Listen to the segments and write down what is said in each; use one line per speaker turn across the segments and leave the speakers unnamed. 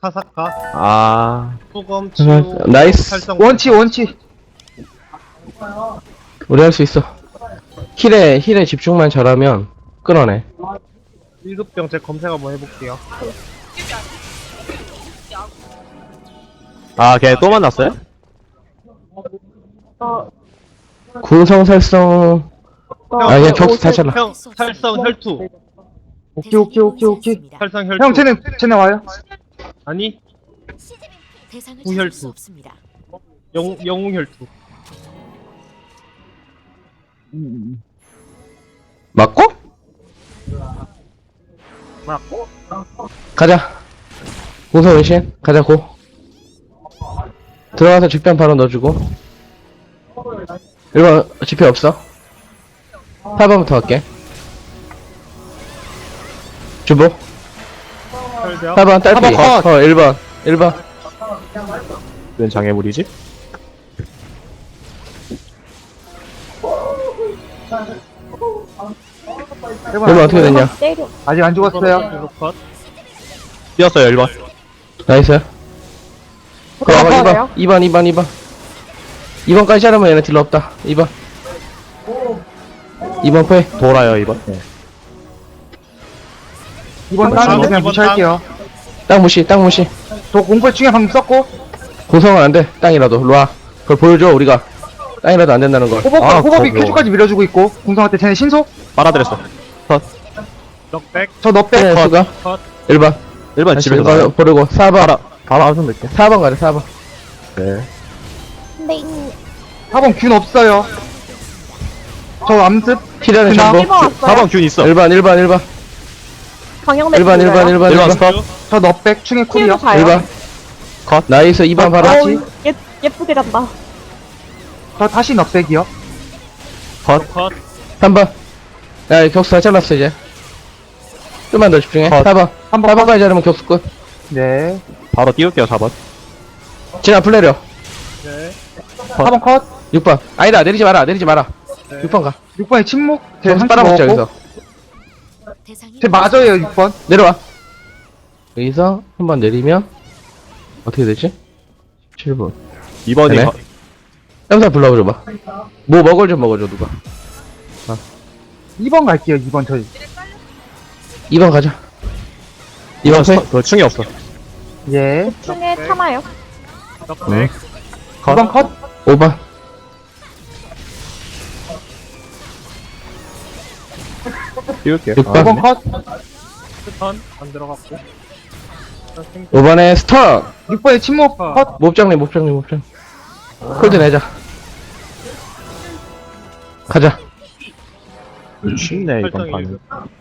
카사카,
아,
소검, 치유,
나이스.
활성.
원치.
우리 할 수 있어. 힐에 집중만 잘하면 끊어내.
1급병 제 검색 한번 해볼게요.
아, 걔 또 만났어요?
궁성살성. 아, 그냥 격수 다 잘라.
형, 살성 혈투.
오케이.
살성 혈투.
형, 쟤네 와요.
아니,
대상을
구혈투.
찾을 수 없습니다.
영웅 혈투.
맞고?
맞고?
가자. 궁성 은신. 가자, 고. 들어가서 직변 바로 넣어주고. 1번 지표 없어. 4번부터 할게. 주보.
혈벽.
4번 딸피.
4번 컷.
1번.
웬 장애물이지?
일번
1번 어떻게 됐냐?
아직 안 죽었어요.
이거 컷.
뛰었어요, 1번.
나이스. 그럼 2번. 2번까지 자르면 얘네 딜러 없다. 2번. 2번 포해.
돌아요, 2번. 네.
이번 땅은 그냥 무시할게요.
땅 무시.
저 공포의 충에 방금 썼고.
고성은 안 돼. 땅이라도. 일로와. 그걸 보여줘, 우리가. 땅이라도 안 된다는 걸.
호법이
그거.
큐주까지 밀어주고 있고. 공성한테 쟤네 신속.
빨아들였어.
넉백.
저 넉백.
네, 수가.
컷.
1번.
1번 집에서
1번
나요.
버리고. 4번.
바로 암송 넣을게.
4번 가자, 4번.
네.
근데 이
4번 균 없어요. 저 암습.
필요는
그냥
전부.
4번 균 있어.
1번.
방영대
1번 스톱.
저 넉백 충의 쿨이요.
1번.
컷.
나이스, 2번 바로.
같이.
예쁘게 간다.
저 다시 넉백이요.
컷.
3번. 야, 격수 다 잘랐어, 이제. 좀만 더 집중해.
컷.
4번.
3번.
4번까지 자르면 격수 끝.
네.
바로 띄울게요, 4번.
진아, 플레이려.
네.
4번 컷.
6번. 아니다, 내리지 마라.
네.
6번 가.
6번에 침묵. 제
격수
한번
빨아먹자,
먹었고.
여기서.
제 맞아요, 6번.
내려와. 여기서 한번 내리면 어떻게 되지? 7번.
2번이
되네. 땀사 불러줘봐. 뭐 먹을 좀 먹어줘, 누가.
2번 갈게요, 2번 저희.
2번 가자. 2번 세.
더 충이 없어.
예.
중에 참아요.
넉백.
2번 컷.
5번.
띄울게요.
6번.
5번 컷.
스턴. 안 들어갔고.
5번에 스턴!
6번에 침묵 컷.
몹장님. 콜드 내자. 가자.
쉽네, 이번
활성이.
판은.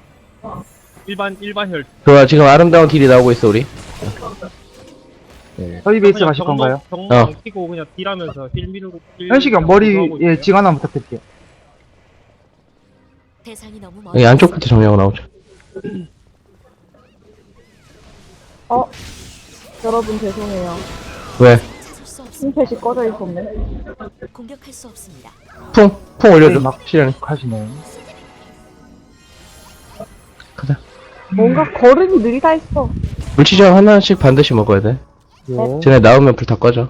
일반 혈투.
좋아, 지금 아름다운 딜이 나오고 있어, 우리.
저희 베이스 가실 건가요?
경로
어.
안 키고 그냥 딜하면서 힐 미루고.
현식이 형 머리에 징 하나 부탁드릴게요.
대상이 너무
여기 안쪽부터 정리하고 나오자.
여러분 죄송해요.
왜?
찾을 수 없습니다.
심펫이 꺼져 있었네.
공격할 수 없습니다.
풍 올려줘.
막
시련이.
하시네.
가자.
뭔가 걸음이 느리다 했어.
물치정 하나씩 반드시 먹어야 돼.
예.
쟤네 나오면 불 다 꺼져.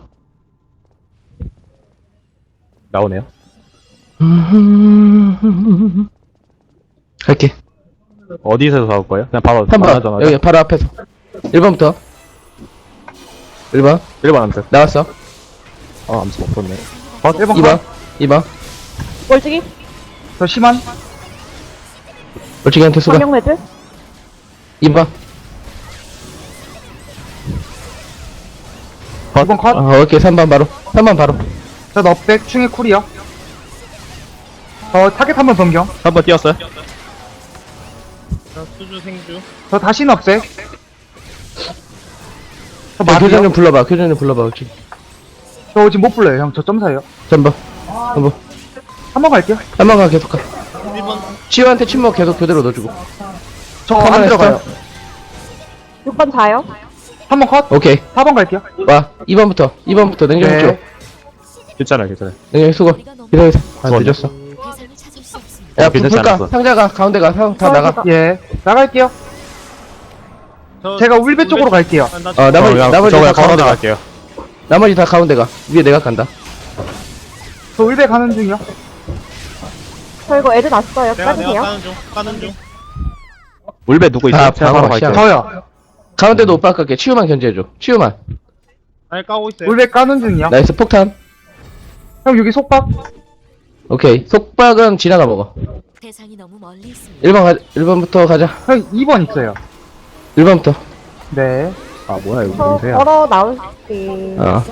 나오네요.
갈게.
어디서 싸울 거예요? 그냥 바로
3번.
만나자마자.
여기 바로 앞에서. 1번부터. 1번.
1번 암수.
나왔어.
암수 없었네.
1번
2번.
컷.
2번.
멀찍이
저 심한.
물치기한테 수가.
방영레드
2번.
2번 컷.
오케이. 3번 바로. 3번 바로.
저 넉백 충의 쿨이요. 저 타겟 한번 변경.
3번 띄웠어요.
수주 생주.
저 다시 넉백. 저
교전
맞아요.
좀 불러봐. 그렇지.
저 지금 못 불러요, 형. 저 점사예요.
3번.
3번 갈게요.
3번 가 계속 가.
1번.
치유한테 침묵 계속 그대로 넣어주고.
저 안
카메라
들어가요.
6번 자요.
3번 컷.
오케이.
4번 갈게요.
와. 2번부터 냉정히
네.
쪽.
괜찮아요.
냉정히 수고. 기다려. 늦었어.
대상을 찾을 수 없습니다.
야,
괜찮지
불까?
않았어.
상자가 가운데 가. 다 나가.
예. 나갈게요. 제가 울배 쪽으로 갈게요.
나머지
저거
다
걸어
가운데 가.
나갈게요.
나머지 다 가운데 가. 위에 내가 간다.
저 울배 가는 중이요.
저 이거 애들 났어요.
내가
까주세요.
까는 중.
물배 누구 있어요?
아,
제가
방어
바로 갈게요.
시작.
저요.
가운데도 오빠 갈게. 치유만 견제해줘. 치유만.
날 까고 있어요.
울배 까는 중이요.
나이스 폭탄.
형 여기 속박.
오케이. 속박은 지나가 먹어.
대상이 너무 멀리 있습니다.
1번부터 가자.
형 2번 있어요.
1번부터.
네.
아, 뭐야, 이거
저
뭔데야.
걸어 나올게.
어.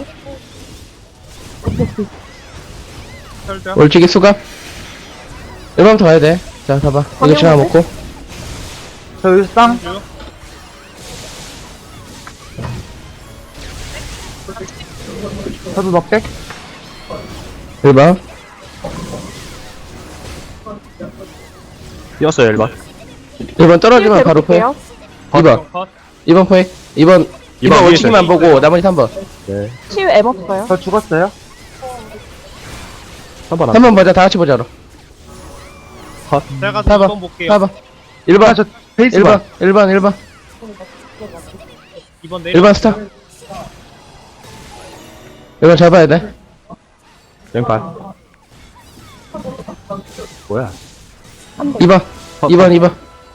철벽.
올치기 수갑. 1번부터 가야 돼. 자, 가봐. 이거 지나가 먹고.
저 여기 쌍.
주.
저도 넉백.
1번.
뛰었어요, 1번.
1번 떨어지면 바로 포획.
해볼게요.
2번.
컷.
2번 포획. 2번
위에
올치기만
있어요.
보고 나머지 3번.
네.
치유 M 없어요.
저 죽었어요.
3번 안
3번 보자. 다 같이 보자로.
제가
4번.
2번 볼게요.
4번. 1번.
아, 저 베이스
1번.
번.
1번.
2번 내려.
1번 스타. 1번 잡아야 돼.
왼발. 뭐야.
2번. 2번.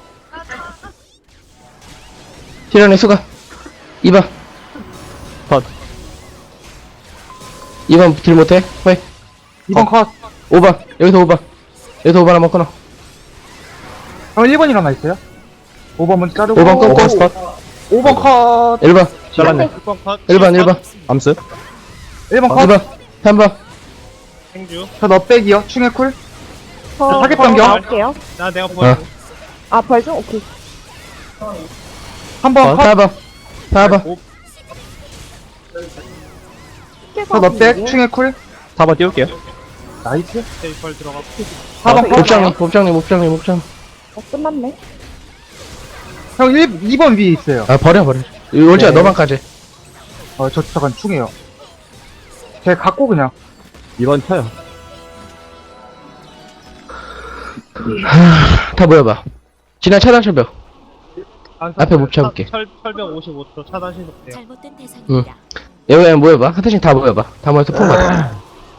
티런의 수가. 2번.
컷.
2번 딜 못해. 포획.
2번 컷.
5번. 여기서 5번. 여기서 5번 한번 끊어.
형 1번 일어나 있어요. 5번 먼저 자르고.
5번 끊고.
5번 스컷.
5번 컷.
1번.
잘랐네.
6번 컷.
1번.
암스.
1번 컷.
2번. 3번.
행주.
저 넉백이요. 충의 쿨.
저
타겟
걸어
변경.
나올게요.
내가 보여.
아, 벌중? 오케이.
3번 컷.
4번. 4번.
저 넉백. 충의 쿨.
4번 띄울게요.
나이스.
세이펄 들어갔고.
4번 컷.
mov장님.
끝났네.
형 2번 위에 있어요.
아, 버려. 올지야,
네.
너만까지.
저 잠깐 충이에요. 제가 갖고 그냥.
2번 쳐요.
다 모여봐. 지난 차단 철벽. 앞에 못 잡을게.
철벽 55초 차단 신속돼요.
잘못된 대상입니다.
여기 모여봐. 하트씩 다 모여봐. 다 모여서 퐁 받아.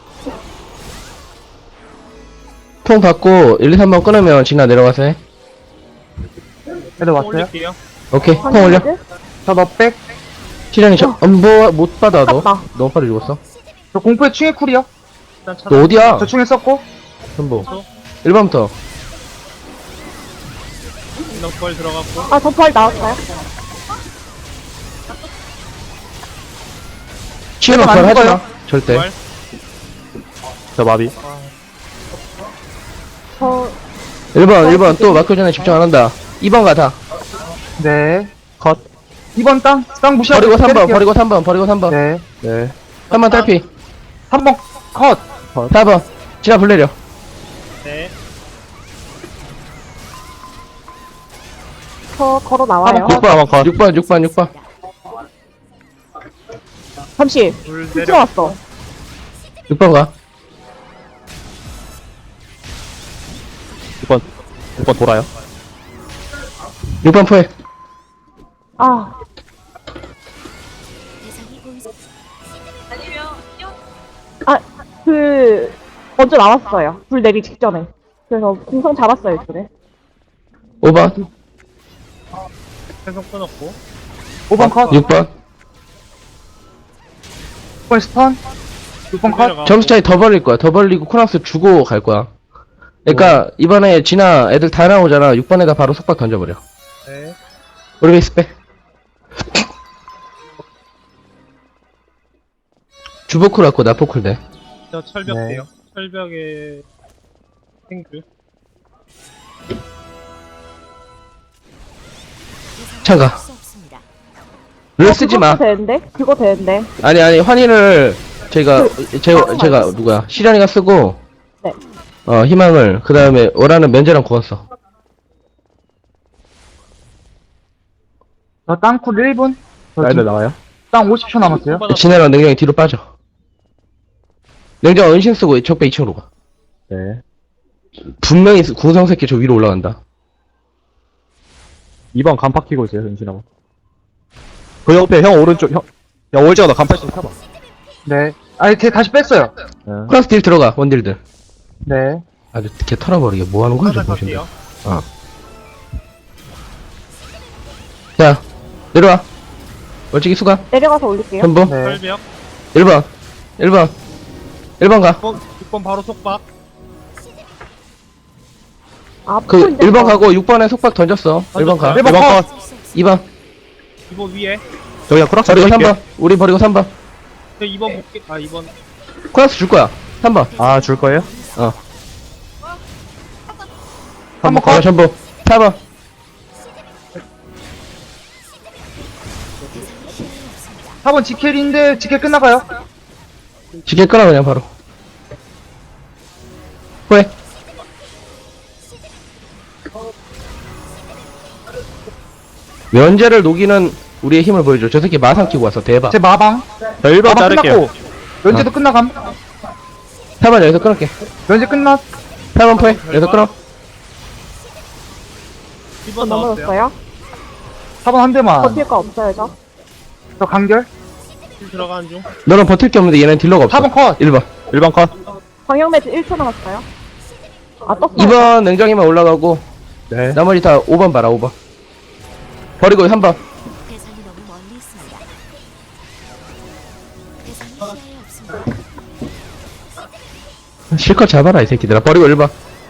퐁 받고 1, 2, 3번 끊으면 지나 내려가서 해.
애들 왔어요.
올릴게요.
오케이. 퐁 올려.
저 넉백.
시련이 못 받아, 너.
아깝다.
너무 빨리 죽었어.
저 공포의 충의 쿨이요.
일단
너
차단.
어디야?
저 충에 썼고.
전부. 1번부터.
넉벌 들어갔고.
아, 저 벌 나왔어요.
치우면
안
벌 하지
죽어요.
마. 절대.
벌.
저 마비.
저
1번 또 마크 전에 집중 안 한다. 2번 가다.
네.
컷.
2번 땅 무시하고.
버리고 3번,
때릴게요.
버리고 3번.
네.
네.
3번 탈피.
3번 컷.
4번. 지나 불 내려.
네.
저 걸어 나와요.
6번, 6번.
잠시.
불
힐
내려.
들어왔어.
6번 가.
6번 돌아요.
6번 포획.
아,
대상이 보이지
먼저 나왔어요. 불 내리 직전에. 그래서 공성 잡았어요, 이쪽에.
5번.
계속 끊었고.
5번 컷.
6번.
6번 스턴. 6번 컷.
내려가고.
점수 차이 더 벌릴 거야. 더 벌리고 코낙스 주고 갈 거야. 그러니까 이번에 지나 애들 다 나오잖아. 6번에다 바로 속박 던져버려.
네.
우리 베이스 빼. 주보쿨 갖고 나포쿨 돼.
저 철벽
네.
돼요. 철벽에 행주.
참가.
수 없습니다.
룰 쓰지 마.
그거 되는데.
아니 환희를 제가 누구야 시련이가 쓰고
네.
희망을 그 다음에 원하는 면제랑 구웠어.
저 땅쿨 1분.
애들 나와요.
땅 50초 남았어요.
진해랑 냉정이 뒤로 빠져. 냉정 은신 쓰고 적배 2층으로 가.
네.
분명히 궁성 새끼 저 위로 올라간다.
2번 간파 키고 있어요, 은신하고. 그 옆에 형 오른쪽 형. 야 월지가 너 간판 좀 타봐.
네. 아니, 쟤 다시 뺐어요.
네.
코락스 딜 들어가, 원딜들.
네.
아주 개 털어버리게. 뭐 하는 거야, 저
하나
보신다.
갈게요.
자, 내려와. 멀찍이 수가.
내려가서 올릴게요.
현보.
네.
철벽.
1번. 1번. 1번 가.
6번 바로 속박.
아,
그,
풀
1번 가고 6번에 속박 던졌어. 1번 가.
1번 컷.
2번.
2번 위에.
저기야 크락스
버리고
칠게.
3번. 우리 버리고 3번.
저 2번 볼게. 아 2번.
코락스 줄 거야. 3번.
아 줄 거예요?
어.
3번
가.
컷.
전부. 4번.
대상이 시야에 없습니다.
4번 지켈인데, 지켈 끝나가요.
지게 끊어, 그냥 바로. 후회. 면제를 녹이는 우리의 힘을 보여줘. 저 새끼 마상 끼고 왔어. 대박.
제 마방.
저 1번
마방
자를게요.
끝났고. 면제도 끝나감.
4번 여기서 끊을게.
면제 끝났.
8번 포해. 여기서 끊어.
2번 나왔어요.
넘어졌어요.
4번 한 대만.
버틸 거 없어요, 저.
저 간결.
힐 들어가는 중.
너는 버틸 게 없는데 얘는 딜러가 없어.
4번 컷.
1번.
1번 컷.
방역 매트 1초 남았어요. 아, 떴어요.
2번 냉정이만 올라가고
네.
나머지 다 5번 봐라. 5번. 버리고 3번.
대상이 너무 멀리 있습니다. 대상이 시야에 없습니다.
실컷 잡아라 이 새끼들아. 버리고 1번.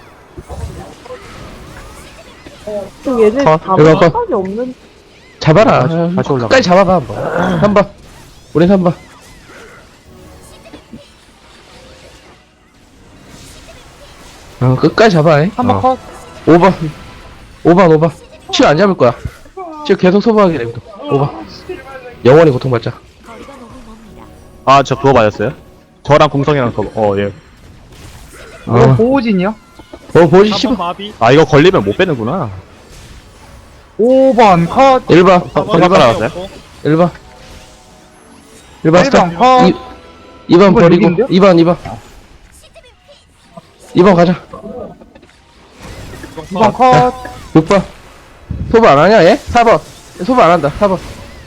지금 얘들
컷.
다
이거 컷.
생각이 없는.
잡아라.
다시 올라가.
끝까지 잡아봐 한번. 3번. 우린 3번. 끝까지 잡아.
3번 컷.
5번. 5번. 치유 안 잡을 거야. 치유 계속 소모하게 됩니다. 5번. 영원히 고통받자.
거리가 너무 멉니다.
아 저 그거 맞았어요? 저랑 공성이랑 그거 예.
이거 보호진이요.
보지
4번
10번.
마비.
아 이거 걸리면 못 빼는구나.
5번 컷.
1번.
4번
1번 나왔어요?
1번. 1번 스톱.
1번 컷.
2번 버리고.
여기인데요?
2번. 2번 가자.
2번 컷.
6번. 소부 안 하냐, 얘? 4번. 소부 안 한다, 4번.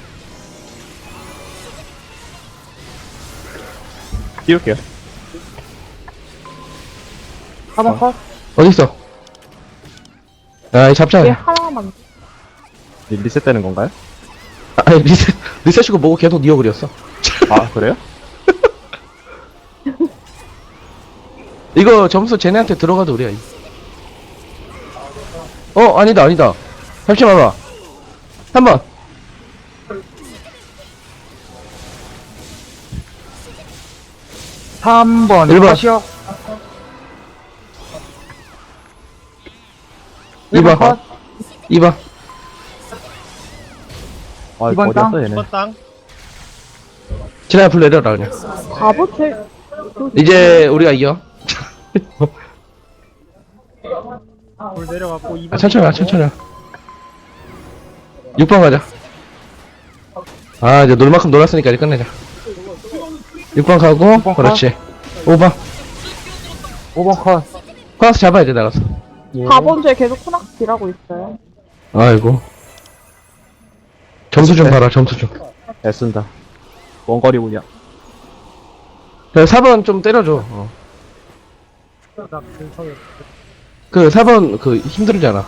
띄울게요.
4번 컷.
어딨어? 아, 이 잡자.
얘 하나만.
리셋되는 건가요?
아니, 리셋이고 뭐고 계속 니어 그렸어.
아 그래요?
이거 점수 쟤네한테 들어가도 우리야. 아니다. 잠시만 봐. 3번.
3번
1번.
컷이요.
2번.
컷.
2번.
아
이번
어디였어
땅?
얘네.
2번 땅.
지나야 풀 내려라, 그냥.
바보 제
이제 우리가 이겨.
돌 내려갔고 2번.
천천히 와, 천천히 와. 6번 가자. 아, 이제 놀 만큼 놀았으니까 이제 끝내자. 6번 가고,
6번
그렇지. 5번.
5번 컷.
코나스 잡아야 돼, 나가서.
4번 주에 계속 코낙스 딜하고 있어요.
아이고. 점수 좀 봐라, 점수 좀.
애쓴다. 원거리 운영.
4번 좀 때려줘. 그 4번 그 힘들잖아.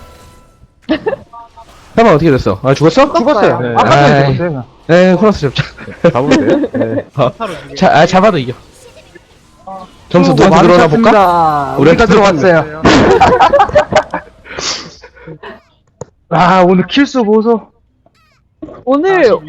4번 어떻게 됐어? 아, 죽었어?
죽었어요.
네.
아까 전에
아이.
죽었어요.
네, 코나스 잡자.
잡으면 돼요? 네.
잡아도 이겨. 점수 누구한테 들어오나 볼까?
볼까?
우리한테
우리가 들어왔어요. 아, 오늘 킬수 보소.
오늘